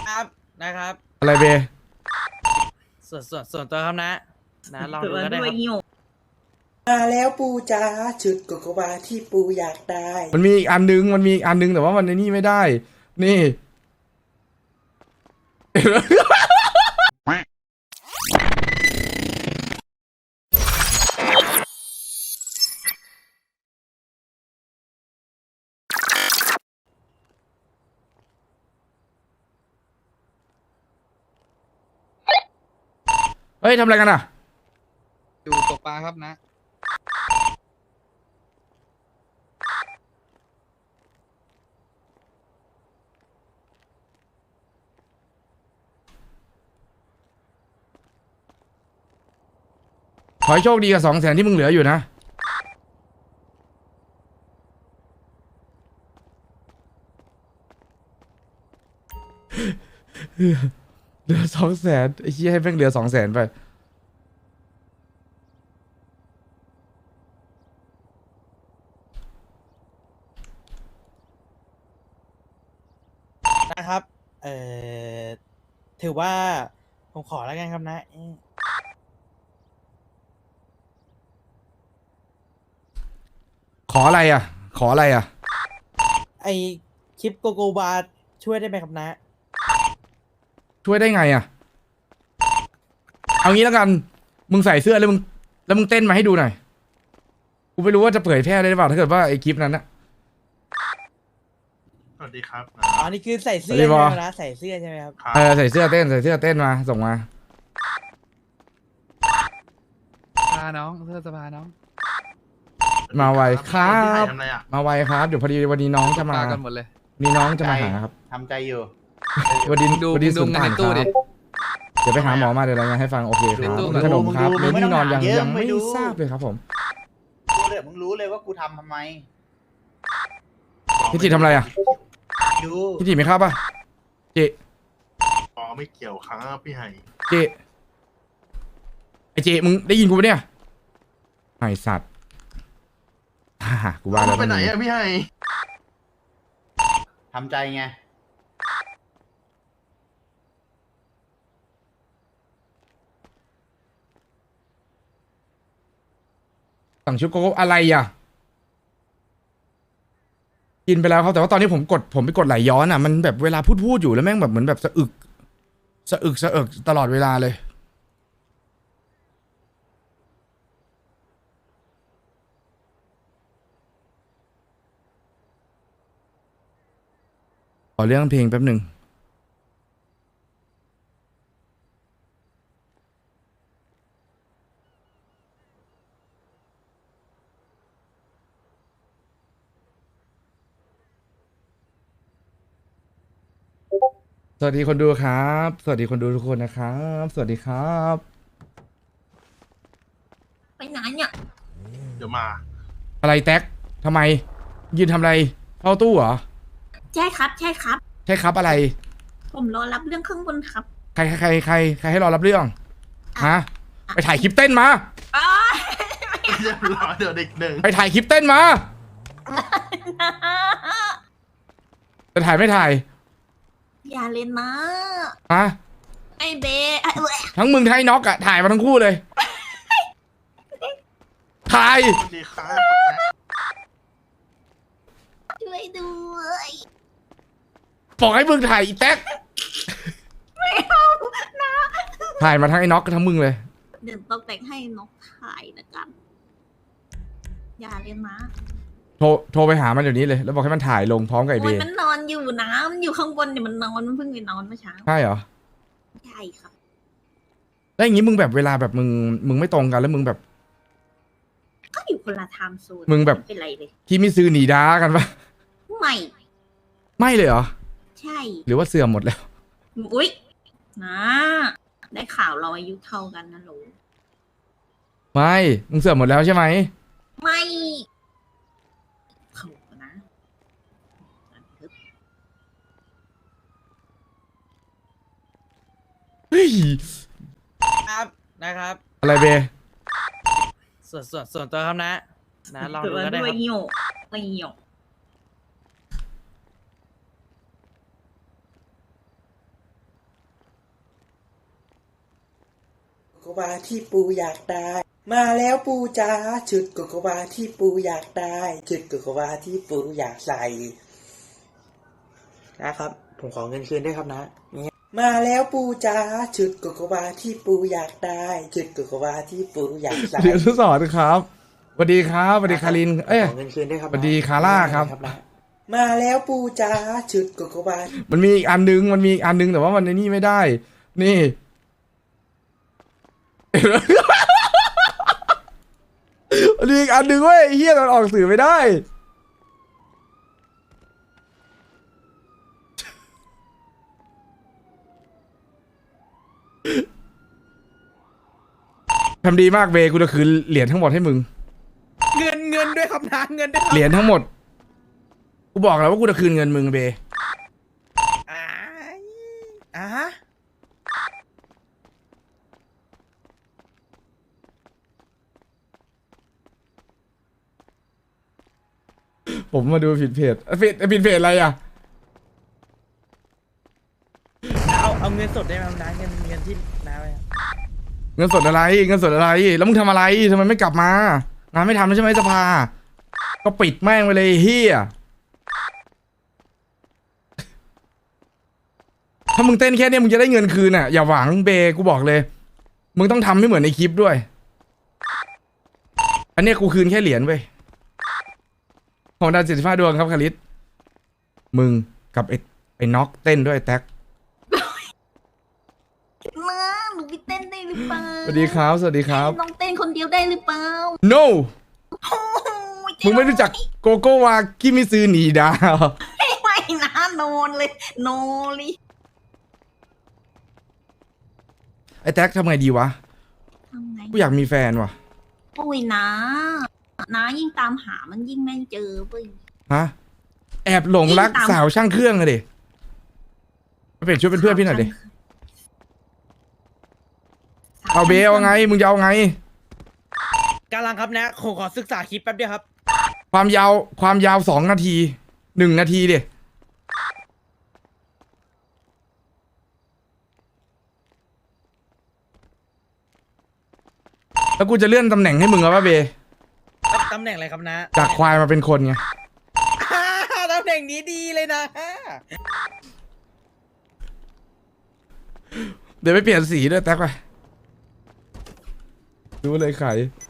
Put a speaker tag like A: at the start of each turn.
A: ครับนะครับ
B: อะไรเบ
A: ส่วนตัวครับนะลองดูก็ได้ครับ
C: มาแล้วปูจ๋าชุดโกโกวาที่ปูอยากได้
B: มันมีอีกอันนึงแต่ว่ามันในนี่ไม่ได้นี่เฮ้ยทำอะไรกันอ่ะ
D: อยู่ตกปลาครับนะ
B: ขอให้โชคดีกับ200,000ที่มึงเหลืออยู่นะเหลือ200,000ไอ้เหี้ยให้แม่งเหลือ200,000ไป
A: นะครับเอ่อถือว่าผมขอแล้วกันครับนะ
B: ขออะไรอ่ะขออะไรอ่ะ
A: ไอคลิปโกโกบาช่วยได้ไหมครับนะ
B: ช่วยได้ไงอ่ะเอางี้แล้วกันมึงใส่เสื้อแล้วมึงเต้นมาให้ดูหน่อยกูไม่รู้ว่าจะเผยแพร่ได้หรือเปล่าถ้าเกิดว่าไอ้คลิปนั้นนะ
E: สวัสดีครับ
A: อ๋อนี่คือใส่เสื้อ
B: สวัสดี
A: ใช่ไห
B: บ
A: ม
B: อ
A: ครับนะใส่เสื้อใช่ไหมครับ
B: ใส่เสื้อเต้นมาส่งมา
D: พาน้องเสื้อสภาน้อง
B: มาไวครับ
E: พี่ไห่ทำอะไรอ่ะ
B: มาไวครับเดี๋ยวพอดีวันนี้น้องจะ
D: ป
B: มา
D: ลากันหมดเลย
B: นี่น้องจะมาหาครับ
C: ทำใจอยู่
B: วันนี้
D: ดู
B: วันนี้
D: ดู
B: สุน
D: เงิน
B: ทาน
D: ใน
B: ค
D: ตู้
B: รับ
D: ดิ
B: เดี๋ยวไปหาหมอมาเดี๋ยวรายงานให้ฟังโอเคค
D: ใน
B: รับ
D: ตู้
B: มีขนมครับ
C: มึ
B: มี
C: งดู
B: ที่นอน
C: มึงดู
B: ยัง
C: ไม่
B: ไม่
C: ดู
B: ทราบเลยครับผม
C: มึงรู้เลยว่ากูทำไม
B: พี่จิทำอะไรอ่ะ
C: ดู
B: พี่จิไม่เข้าป่ะเจ
E: อ๋อไม่เกี่ยวครับพี่ไห่
B: เจไอเจมึงได้ยินกูปะเนี่ยไอสัตว์กูว่าแล้ว
E: ไปไหนอ่ะพี่ไห่
C: ทำใจไง
B: สั่งชุดโกโก้อะไรอ่ะกินไปแล้วครับแต่ว่าตอนนี้ผมไปกดไหลย้อนอ่ะมันแบบเวลาพูดอยู่แล้วแม่งแบบเหมือนแบบสะอึกตลอดเวลาเลยขอเรื่องเพลงแป๊บหนึ่งสวัสดีคนดูครับ สวัสดีคนดูทุกคนนะครับ สวัสดีครับ
F: ไปไหนเนี่ย
E: เดี๋ยวมา
B: อะไรแท็กทำไม ยืนทำอะไรเข้าตู้เหรอ
F: ใช่ครับ ใช่ครับ
B: ใช่ครับอะไร
F: ผมรอรับเรื่องข้างบนครับ
B: ใครให้รอรับเรื่องฮะไปถ่ายคลิปเต้นมา
F: อ้า
E: เรียบร้อยเดี๋ยวเด็กหนึ่ง
B: ไปถ่ายคลิปเต้นมาจะถ่ายไม่ถ่าย
F: อย่าเล่นนะ
B: ฮะ
F: ไอเบะไอ้เว้ย
B: ทั้งมึงไทยน็อกอะถ่ายมาทั้งคู่เลย ถ่าย
E: สวัสดีครับ
F: ช่วยด้วย
B: บอกให้มึงถ่ายอีแท็ก
F: ไม่เอานะ
B: ถ่ายมาทั้งไอ้น็อกกับทั้งมึงเลย
F: เดี๋ยวต้องแต่งให้นกถ่ายนะกัน อย่าเล่นนะ
B: โทรไปหามันเดี๋ยวนี้เลย แล้วบอกให้มันถ่ายลงพร้อมกับไอเบ
F: โอ้ย
B: ย์
F: มันนอนอยู่นะมันอยู่ข้างบนเนี่ยมันนอนมันเพิ่งไปนอนเมื่อเช้า
B: ใช่เหรอ
F: ใช่ครับ
B: แล้วอย่างงี้มึงแบบเวลาแบบมึงไม่ตรงกันแล้วมึงแบบ
F: ก็อยู่คนละไทม์โซน
B: มึงแบบ
F: ไม่เป็นไรเลย
B: ที่มิซื้อหนีด้ากันปะ
F: ไม่
B: ไม่เลยเหรอ
F: ใช่
B: หรือว่าเสื่อมหมดแล้ว
F: อุ๊ยนะได้ข่าวเราอายุเท่ากันนะหนู
B: ไม่มึงเสื่อมหมดแล้วใช่ไหม
F: ไม่เขานะ
B: เฮ้ย
A: ครับนะครับ
B: อะไรเบย์
A: ส่วนตัวครับนะลองดูก็ได้ครับ
F: ไม่หยก
C: โกวาที่ปูอยากได้ มาแล้วปูจ๋าชุดโกโกวาที่ปูอยากได้ชุดโกโกวาที่ปูอยากใส่นะครับ ผมขอเงินคืนด้วยครับนะมาแล้วปูจ๋าชุดโกโกวาที่ปูอยากได้ชุดโกโกวาที่ปูอยากใส่
B: เรียนทดสอบครับสวัสดีครับสวัสดีคาริน เอ้ย
C: ขอเงินคืนด้วยครับ
B: สวัสดีคาร่าครับ
C: นะมาแล้วปูจ๋าชุดโกโกวา
B: มันมีอีกอันนึงแต่ว่ามันในนี่ไม่ได้ นี่ มันมีอีกอันนึงเว้ยไอ้เฮียมันออกสื่อไม่ได้ ทำดีมากเบกูจะคืนเหรียญทั้งหมดให้มึง
A: เงินด้วยครับนะเงินด้วยครับ
B: เหรียญทั้งหมด กูบอกแล้วว่ากูจะคืนเงินมึงเบ
A: อ่าอ่า
B: ผมมาดูผิดเพจผิดเพจอะไรอ่ะ
A: เอาเงินสดได้ไหมครับนะเงินที่น้าไว้อะ
B: เงินสดอะไร แล้วมึงทำอะไรทำไมไม่กลับมา งานไม่ทำแล้วใช่ไหมสภา ก็ปิดแม่งไปเลยเฮียถ้ามึงเต้นแค่เนี้ยมึงจะได้เงินคืนอ่ะ อย่าหวังเบกูบอกเลย มึงต้องทำให้เหมือนในคลิปด้วย อันเนี้ยกูคืนแค่เหรียญเว้ยของดาว75 ดวงครับคาริสมึงกับไอ้น็อกเต้นด้วยแท็ก
F: นะหนูไปเต้นได้หรือเปล่า
B: สวัสดีครับ สวัสดีครับ
F: น้องเต้นคนเดียวได้หรือเปล่า
B: no
F: โอ้ย
B: มึงไม่รู้จักโกโกวากิมิซึหนีดาว
F: ไม่นะโนนเลยโนเลย
B: ไอ้แท็กทำไงดีวะ
F: ทำไง
B: กูอยากมีแฟนว่ะ
F: โอ้ยนะยิ่งตามหามันยิ่งไม่เจอเว้ย
B: ฮะ แอบหลงรัก
F: ยิ่งตาม
B: สาวช่างเครื่องอะดิมาเปลี่ยนชุดเป็นเพื่อนพี่หน่อยดิ เอาเบลเอาไง มึงจะเอาไง
A: กำลังครับนะขอศึกษาคลิปแป๊บเดียวครับ
B: ความยาว2 นาที 1 นาทีดิแล้วกูจะเลื่อนตำแหน่งให้มึงเอาป่ะเบ
A: ตำแหน่งอะไรครับนะ
B: จากควายมาเป็นคนไง
A: ตำแหน่งนี้ดีเลยนะ
B: เดี๋ยวไปเปลี่ยนสีด้วยแท็กไปรู้เลยไข